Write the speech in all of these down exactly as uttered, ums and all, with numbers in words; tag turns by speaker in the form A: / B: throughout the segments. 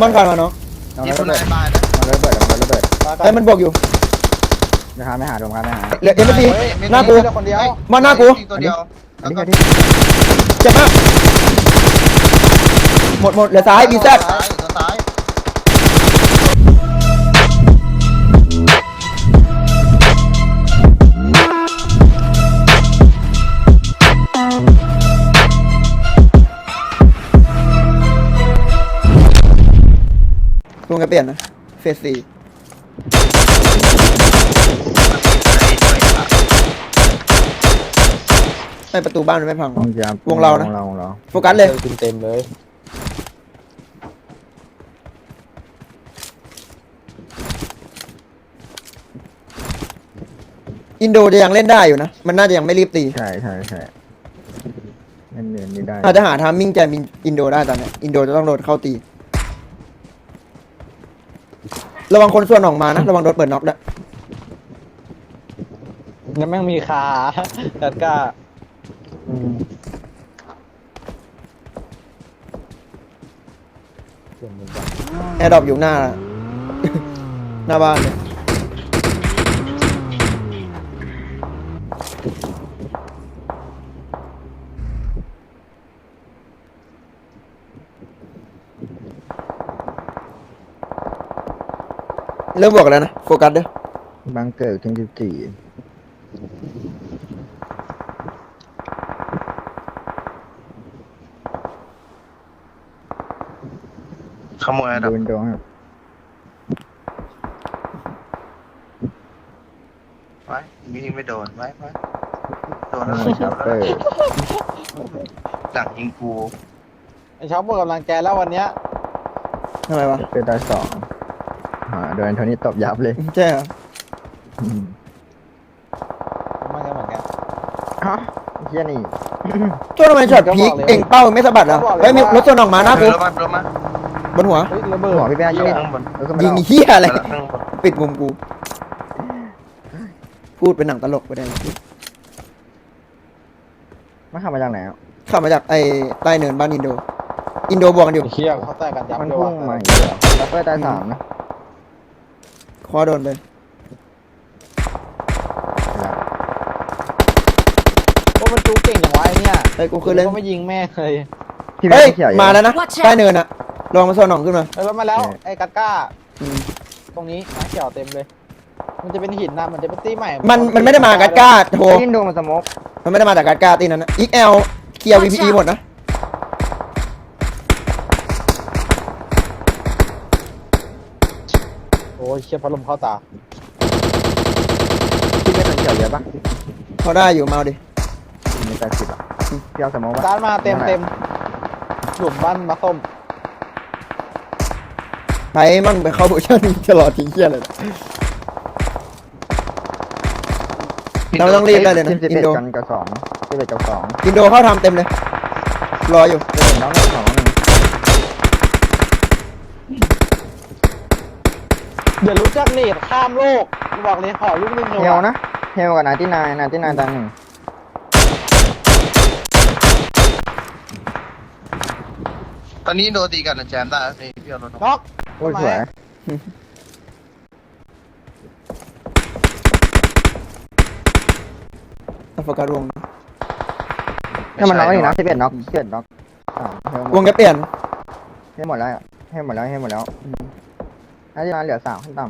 A: มันก่อนมาเนาะ
B: ยิงคนนายบานนะ
C: มันระเบิดมันระเบิด
A: ไอ้มันบวกอยู่
C: นะครับไม่หาดมครับไม่หา
A: เหลือเอ็มซีหน้ากู
D: คนเดียว
A: มาหน้ากู
B: ตัวเดียว
C: อันนี้แค่ที่
A: เจ็บมากหมดหมดเหลือซ้ายบีแซด
B: ซ้ายซ้าย
A: ลุงจะเปลี่ยนนะเฟสสี่ไม่ประตูบ้านมันไม่พัง
C: วงจาม
A: วงเรานะ
C: วงเราวงเรา
A: โฟกัสเลย
D: เต็มเต็มเลย
A: อินโดจะยังเล่นได้อยู่นะมันน่าจะยังไม่รีบตี
C: ใช่ใช่ใช่เล่นเนียนนี่ได้
A: อาจจะหาทามมิ่งแจมอินโดได้ตอนเนี้ยอินโดจะต้องโดนเข้าตีระวังคนส่วนออกมานะระวังโดนเปิดน็อกด้วย
D: ยังแม่งมีคาแต่ก็
C: อืม
A: แอร์ดรอปอยู่หน้า หน้าบ้านเลยเริ่มบวกแล้วนะโฟกัสเด้อ
C: บังเกิดถึงสิบสี่
B: ขโมยดับ
C: ดูนโดงครับ
B: ไว้มียิงไม่โดนไว้ไว้โดนแล้ว
C: ชัปเปอร์
B: หลังยิงกู
D: ไอ้ช็อปหมดกำลังใจแล้ววันเนี้ย
A: ทำไมวะ
C: ชัปเปอร์ตาสองอ่าโดนโทนี่ตบยับเลย
A: ใช่เหรอ
C: อืม
D: มันก็เหมือนกัน
C: ฮะเฮียนี่
A: ช่วงทำไมช็อตพีคเก่งเป้าไม่สะบัดอ่ะเฮ้ยมีรถส่วนออกมาหน้ากู
B: รถมารถมา
A: บนหัว
D: เฮ้ยระเบิด
C: หัวพี่แป้ง
B: ยิ
C: ช่วย
B: งข้างบน
C: แล้วก็ไม่
A: ยิง
C: เล่า
A: เฮียอะไร
B: ข้างบน
A: ปิดมุมกู พูดเป็นหนังตลกไปได้
C: มาขับมาจากไหนอ่ะ
A: ขับมาจากไอ้ใต้เนินบ้านอินโด อินโดบวกกันอยู่
D: เชี่ยเขาแตกกันยับ
C: มัน
D: เลย
C: พุ่
D: ว่ะ
C: งมาอีกแล้วชัปเปอร์ตาสามนะ
A: คอโดนไป
D: โอ้มันจูเก่งอย่างวะไอ้เนี่ย
A: เฮ้ยกูคือเล่น
D: ก็ไม่ยิงแม่เลย
C: พี่แป้
A: เฮ้ย
C: งเขียวอยู่
A: มาแล้วนะ
E: Watch out
A: ใต้เนินอะลองมาโซนหนองขึ้นมา
D: เฮ้ยรถมาแล้วไอ้กัดก้า
A: อืม
D: ตรงนี้น้ำเขียวเต็มเลย มันจะเป็นหินนะมันจะเป็นตี้ใหม่
A: มันมันไม่ได้มากัดก้าโทร
C: ยินโดมันสโมก
A: มันไม่ได้มาจากกัดก้าตีนั้นนะอีกแอลเคลียร์ วี พี อี หมดนะ
D: โอ้ยเชี่ยพัดลมเข้าตา
C: พี่ไม่เป็นเขียวเยอะปะ
A: พอได้อยู่มาเอาดิ
C: มีแปดสิบอ่ะพี่เอาสโมกปะ
D: ตานมาเต็มเต็มหลุมบ้านมาส้ม
A: ไปมั่งไปเข้าโพชั่นตลอดทิ้งเชี่ยเลย เราต้องรีบได้เลยนะ
C: ทีมสิบ
A: อิ
C: เอ็
A: น
C: ด
A: โด
C: กันกับสองสิบเอ็ดกับสอง
A: อินโดเข้าทำเต็มเลย รออยู่
C: สิบเอ็ดน้องหนึ่งสองหนึ่ง
D: อย่ารู้จักเนตข้ามโลกบอกเลยขอลูกนึงเลย
C: เฮล
D: ว่ะ
C: นะเฮลกับนาที่นายนาที่นายตาหนึ่ง
B: ตอนนี้โดนตีกันนะแจมได้นี่พี่เอารถ
D: น็อก
C: โอ้ยสวย
A: โฟกัสวงนะ
C: ถ้ามันน็อกอีกนะสิบเอ็ดน็อกสิบเอ็ดน็อกอ่าเฮลหม
A: ว
C: ด
A: งจะเปลี่ยน
C: เฮลหมดแล้วเฮลหมดแล้วเฮลหมดแล้วนาที่นายเหลือสามขั้นต่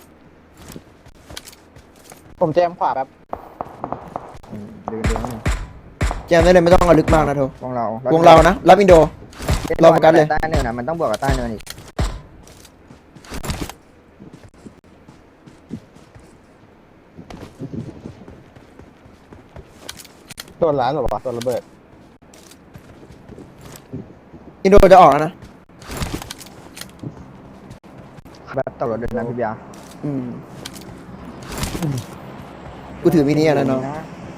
D: ผมแจมขวาแบบ
C: ำอืมดูดูนี่
A: แจมได้เลยไม่ต้องเอาลึกมากนะโท
C: วงเรา
A: วงเรานะ รับอินโด เราโฟกัสเลย
C: ใต้เนินนะมันต้องบวกกับใต้เนินอีก
D: โดนร้านหรอวะโดนระเบิด
A: อินโดจะออกแล้วนะ
C: แบบตกรถเดินนะพี่เบียร์
A: อืมกูถือมินิอะนะน้อง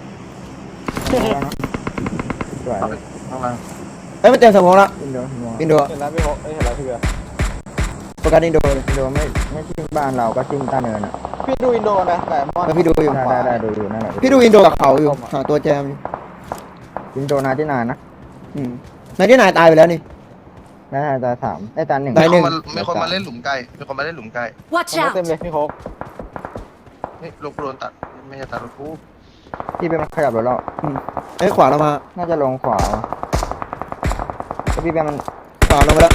C: สวย
B: ข้างล่าง
A: เอ้ยมันเต็มสมองแล้ว
C: อินโด
A: อินโด
D: เห็นแล้วพี่โฮเอ้ยเห็นแล้วพี่เบียร์
A: โฟกัสอินโดเลย
C: อินโดไม่ไม่ทิ้งบ้านเราก็ทิ้งใต้เนินอ่ะ
D: พี่ดูอินโดนะแต่มอน
A: แล้วพี่ดูอยู่
C: ได้ได้ได้ดูอยู่นั่นแหละ
A: พี่ดูอินโดกับเขาอยู่ หาตัวแจมอยู่
C: อินโดนาที่นานนะ
A: อืมนายที่นายตายไปแล้วนี่
C: น่าจะสามไอ้ตาหนึ่ง
A: ได้
B: มี
A: หนึ่ง
B: คนมามีคนมาเล่นหลุมไก่มีคนมาเล่นหลุมไก่
E: Watch
D: มันเต็ม
E: out!
D: เลยพี่โค้ก
B: นี่ลูกกูโดนตัดไม่ใช่ตัดลูกกู
C: พี่เป็นขยับรถแล้ว
A: เอ้ยขวาเรามา
C: น่าจะลงขวาแล้วพี่เป็นมัน
A: ขวาลงไปแล้ว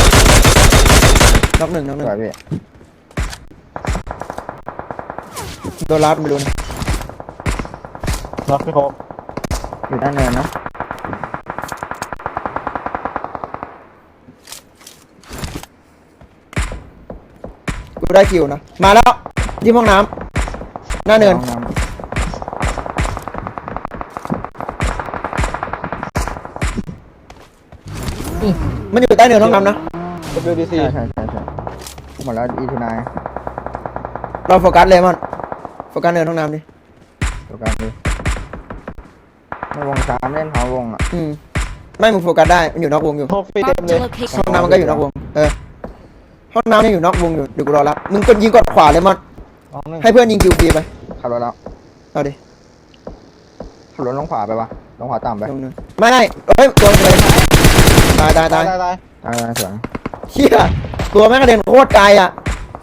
A: น็อกหนึ่งน็อกห
C: ส
A: นึ่ง
C: วยพี่
A: โดนลัดไม่รู้นะ
D: เนาะพี่โค้ก
C: อยู่ด้านเนินนะ
A: กูได้คิวนะมาแล้วที่ห้องน้ำหน้าเนิน
C: ห้องำ
A: มันอยู่ใต้เนินห้องน้ำนะ
D: ดับเบิลยูดีซี
C: ใช่ใช่ใช่ใช่หมดแล้วอีทูนาย
A: เราโฟกัสเลยมันโฟกัสเนินห้องน้ำดิ
C: ตัวกันดิในวงสามเล่นหอวงอ่ะ
A: อืมไม่มึงโฟกัสได้มันอยู่นอกวงอยู่
D: โค้กฟรีเต็ม
E: Marked
D: เล
E: a
D: ย
E: location.
A: ห้องน้ำมันก็อยู่นอกวงเออห้องน้ำนี่อยู่นอกวงอยู่เดี๋ยวกูรอรับมึงกดยิงกดขวาเลยมัน
D: น้องหนึ่ง
A: ให้เพื่อนยิงคิวฟรีไป
C: ขับรถแล้ว
A: เอาดิ
C: ขับรถลงขวาไปวะลงขวาต่ำไป
A: ลงเนินไม่ไม่เฮ้ยตัวมันเลยตายตายตาย
D: ตายตาย
C: ตายตายสวย
A: เฮียตัวแม่งกระเด็นโคตรไกลอ่ะ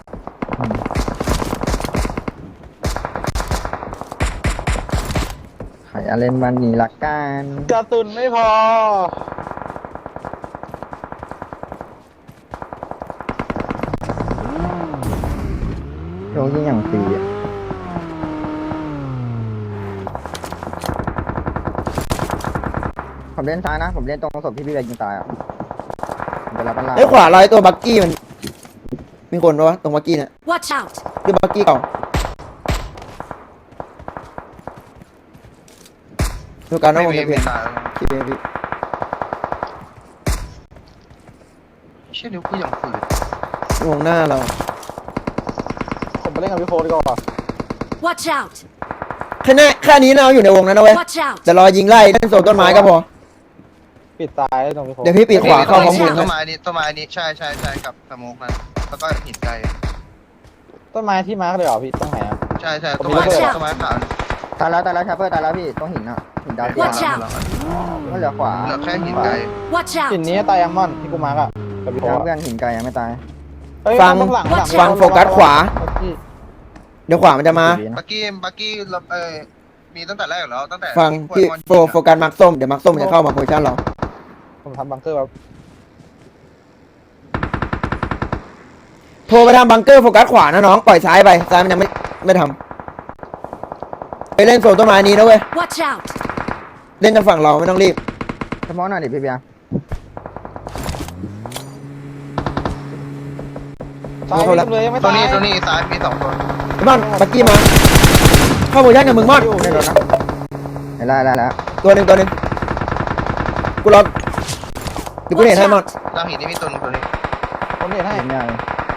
C: ใครเอาเล่นวันนี้ละกัน
D: กระตุนไม่พอ
C: โยกยิ่งอย่างฟรีอ่ะผมเล่นซ้ายนะ ผมเล่นตรงศพที่พี่เบย์ยิงตายอ่ะผมจะรับมันล่า
A: ไอ้ยขวาลอยตัวบักกี้มันมีคนปะวะตรงบักกี้เนี่ย
E: Watch out!
A: คือบักกี้เก่าดูการน้องวง
B: ไม่
A: จะ
B: มี
A: เปลี่ยน
B: ตาย
A: คิดเองพี่
B: เชี่ยนิ้วกูยังฝืด
A: วงหน้าเรา
D: ผมไปเล่นกับพี่โค้กดีกว่า
E: Watch out!
A: แค่นี้แค่นี้เราอยู่ในวงนั้นนะเว้ย
E: Watch out!
A: แต่รอยิงไล่เล่นโซนต้นไม้ก็พอ
D: ปิดซ้ายตรงพี่โค้ก
A: เดี๋ยวพี่ปีกขวาเข้าพร้อม
B: ต้
A: บุ
B: น
A: ญ
B: ต้
A: นะ
B: นไม้นี้ต้นไม้นี้ใช่ใช่ใช่กับสโมกนั้นแล้วก็หินไก่
D: ต้นไม้ที่มาร์กเลยเหรอพี่ตรงไหนอ่ะ
B: ใช่ใช่ต้นไม้
E: Watch out
B: ต้นไม้ขาว
C: ตายแล้วตายแล้วชาเปอร์ตายแล้วพี่ต้องหินอ่ะหินดาวเทียม
E: Watch out
C: ก็เหลือขวา
B: เหลือแค่หินไก่
E: Watch
D: หิน
E: out!
D: นี้ตายยังม่อนที่กูมาร์กอ่ะกับพี่โค้
C: แล้ว
D: ก
C: เพื่อนหินไกลยังไม่ตาย
D: เฮ้ย
A: ฟัง
D: ข้าหลัข้าหลั
A: ฟังโฟกัสขวา
D: พี่
A: เดี๋ยวขวามันจะมา
C: ดีนะ
B: บักกี้บักกี้เออมีตั้งแต่แรกอยู่แล้วตั้งแต่
A: ฟังพี่โฟโฟกัสมาร์คส้มเดี๋ยวมาร์คส้มจะเข้ามาโพซิชั่นเรา
D: ผมทำบังเกอร์แบบ
A: โทรไปทำบังเกอร์โฟกัสขวานะน้องปล่อยซ้ายไปซ้ายมันยังไม่ไม่ทำไปเล่นโซนต้นไม้นี้นะเว้ย
E: Watch out!
A: เล่นทางฝั่งเราไม่ต้องรีบ
C: เฉพาะหน่อยดิพี่เบียร์
D: ซ้าย
A: เข้าแล้ว
D: เลยยังไม่
B: ตัว
D: ตาย
B: นี้ตัวนี้ซ้ายมีสองตัว
A: ไอ้บอลบักกี้มาเข้าโพซิชั่นกับมึงมอน
C: ได้รถนะได้ได้แล้ว
A: ตัวหนึ่งตัวหนึ่งกูรอเดี๋ยวกูเห็นให้มอน
B: ล่างหินนี่มีตัวนึงตัวนี้
D: ผมเห็นให้
C: เห็นยัง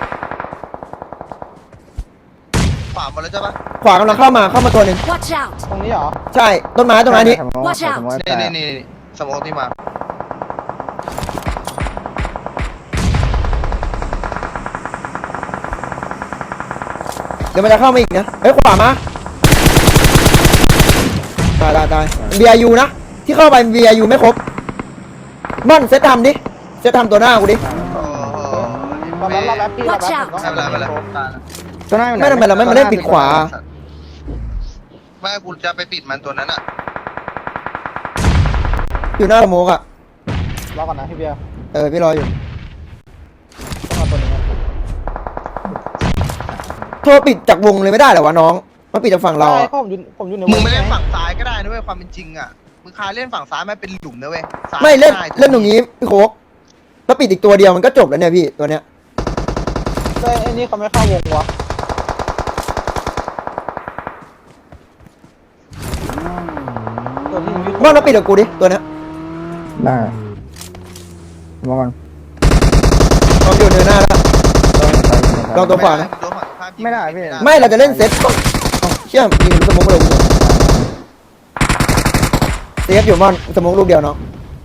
B: ขวาหมดแล้วใช่ปะ
A: ขวากำลังเข้ามาเข้ามาตัวหนึ่ง
E: Watch out!
D: ตรงนี้เหรอ
A: ใช่ต้นไม้ต้นไม้นี้
E: Watch out
B: นี่นี่นี่สโมกที่มา
A: เดี๋ยวมันจะเข้ามาอีกนะเฮ้ยขวามาตายตายตาย บี ไอ ยู นะ ที่เข้าไป บี ไอ ยู ไม่ครบม่อนเซตทำดิเซตทำตัวหน้ากูดิ
B: โอ้โห
D: ตอนนั้นเราแรปพี่เราแรป
E: Watch out
D: ผมต้อง
B: ไม่เป็นไรไม่เป็นไรตาย
C: ตัวหน้าอยู่ไหน
A: ไม่ทำไมเราไม่มาเล่นปิดขวา
B: ไม่กูจะไปปิดมันตัวนั้นอ่ะ
A: อยู่หน้าสโมกอ่ะ
D: รอก่อนนะพี่เบียร์
A: เออพี่รออยู่
D: ต้องเอาตัวนี้
A: โทรปิดจากวงเลยไม่ได้เหรอวะน้องมาปิดจากฝั่งเรา
D: ใช่
A: อะ
D: เพราะผมอยู่ผมอยู่ใน
B: มึงไม่เล่นฝั่งซ้ายก็ได้นะเว้ยความเป็นจริงอ่ะมึงคาเล่นฝั่งซ้ายมันเป็นหลุมนะเว้ยซ้าย
A: ไม่เล่น
B: ด้
A: เล่นตรงนี้พี่โคกแล้วปิดอีกตัวเดียวมันก็จบแล้วเนี่ยพี่ตัวเนี้ย
D: ใช่ไอ้นี่เขาไม่เข้าวงวะตัวที่ยิงยุทธ
A: ม่อนมาปิดกับกูดิตัวเนี้ย
C: ได้มองก่อน
A: ลองอยู่เนินหน้าแล้ว ลองตัวขวานะ
B: โดนฝั่งตรงข้ามยิง
C: ไม่ได้พี่
A: ไม่เราจะเล่นเซตเอ้าเชื่อมยิงสโมกลงเซฟอยู่ม่อนสโมกลูกเดียวเนาะ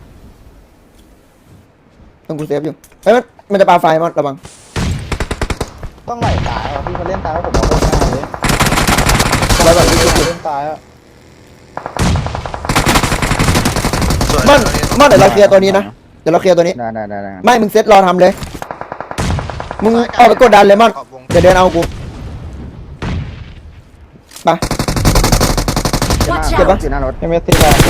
A: ต้องกูเซฟอยู่เฮ้ยมันมันจะปาไฟม่อนระวัง
D: ต้องไหลสายอ่ะพี่เขาเล่นตายแล้วผมเอาโคตรง่ายเลย
A: ไว้ก่อน
D: เล่นตายอ่ะ
B: สวย
A: ม่อนม่อนเดี๋ยวเราเคลียร์ตัวนี้นะเดี๋ยวเราเคลียร์ตัวนี้
C: ได้ได้ได้ได้
A: ไม่มึงเซตรอทำเลย มึงออกไปกดดันเลยมอน
B: ขอบวง
A: เดี๋ยวเดินเอากูไป
C: เจ็บ
A: เจ็บปะ
C: อยู่หน้ารถ
D: เอ็มเอสซีแปด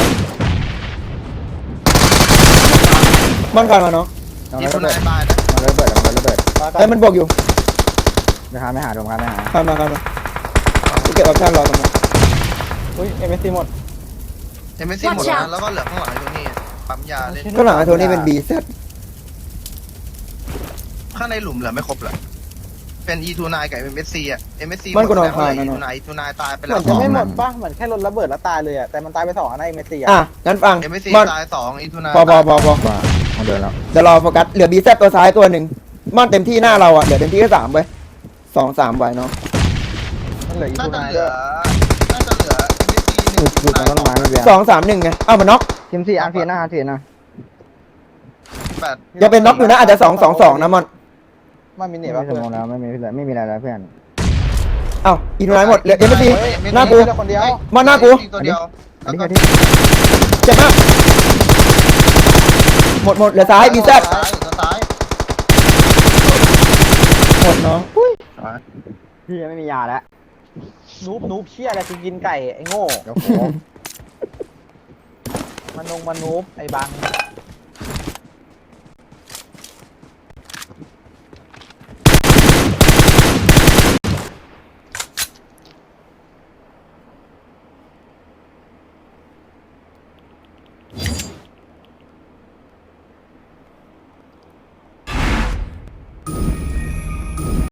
A: มอนก่อนมาน้อง
C: น้อง
B: อี
C: ระ
B: ทู
C: เบิ
B: นา
C: ด
B: ยบายนะ
C: น้องระเบิดน้องระเบิด
A: เอ้ยมันบวกอยู่
C: เดี๋ยวพาไม่หาเดี๋ยวพาไม่หา
A: ข้ามมาข้ามมากูเก็บออปชั่นรอตรงนั้น
D: อุ้ยเอ็มเอสซีหมด
B: เอ็มเอสซีหมดแล้วแล้วก็เหลือข้างหลังไอ้ตัวนี้ปั๊มยาเล่น
A: ก็หลังไอ้โทนี่เป็นบีเซต
B: ข้างในหลุมเหลือไม่ครบเหรอเป็นอีทูนายกับเอ็มเอสซีอ่ะเอ็มเอสซี
A: มันก็นอนคาย
B: อี
A: นะ
B: ทู
A: เนาะ
B: นายอีทูนายตายไป
D: เห
B: แล้
D: มื
B: ว
D: อนจะไม่หมดป่ะเหมือนแค่รถระเบิดแล้วตายเลยอะแต่มันตายไปสองอันนะเอ็มเอสซี
A: อ่ะ
D: อะ
A: งั้นฟัง
B: เอ็มเอสซี
A: มอน
B: ตายสองอีทูนาย
A: พอพอพอพอ
C: ว่าเขาเดินแล้ว
A: เดี๋ยวรอโฟกัสเหลือบีเซตตัวซ้ายตัวหนึ่งมอนเต็มที่หน้าเราอ่ะเหลือเต็มที่แค่สามไว้ยสองสามไว้เนาะ
D: มันเหลืออีก
B: น่า
D: ทู
B: จะ
D: นาย
B: เหลื
D: ด้ว
B: อย น่าจะเหลือเอ็มเอสซีห
C: อยู่
B: นึ่ง
C: อยู่ตรงต้นไม้ไม่เบียร์
A: สองสามหนึ่งไงเอ้ามันน็อก
C: ทีมสี่อาร์ทีนะอาร์ทีนะ
B: แปด
A: ยังเป็นน็อกอยู่นะอาจจะสองสองสองนะมอน
D: มันมีเห
C: ไม่
D: นี่ย
C: มี
D: ป่ะ
C: ส
D: เพื่อ
C: มอง
D: น
C: แล้วไม่มีไม่มีอะไรแล้วเพื่อน
A: เอ้าอีทูไนหมดเหลือเอ็มซี
D: เฮ้ย
A: หน้ากู
D: เหลือคนเดียว
A: มอนหน้ากู
B: ตัวเดียว
C: อั
B: แล้
C: น
B: ว
C: นี้
B: ก็
C: คือที่
A: เจ็บมากหมดหมดเหลือซ้ายบีเซต
B: ซ้ายตัวซ้าย
A: หมดเนาะ
C: พี่ยังไม่มียาแล้ว
D: นูบนูบเชี่ยอะไรกูกินไก่ไอ้โง่
C: เดี๋ยวโค้ง
D: มันนงมันนูบไอ้บัง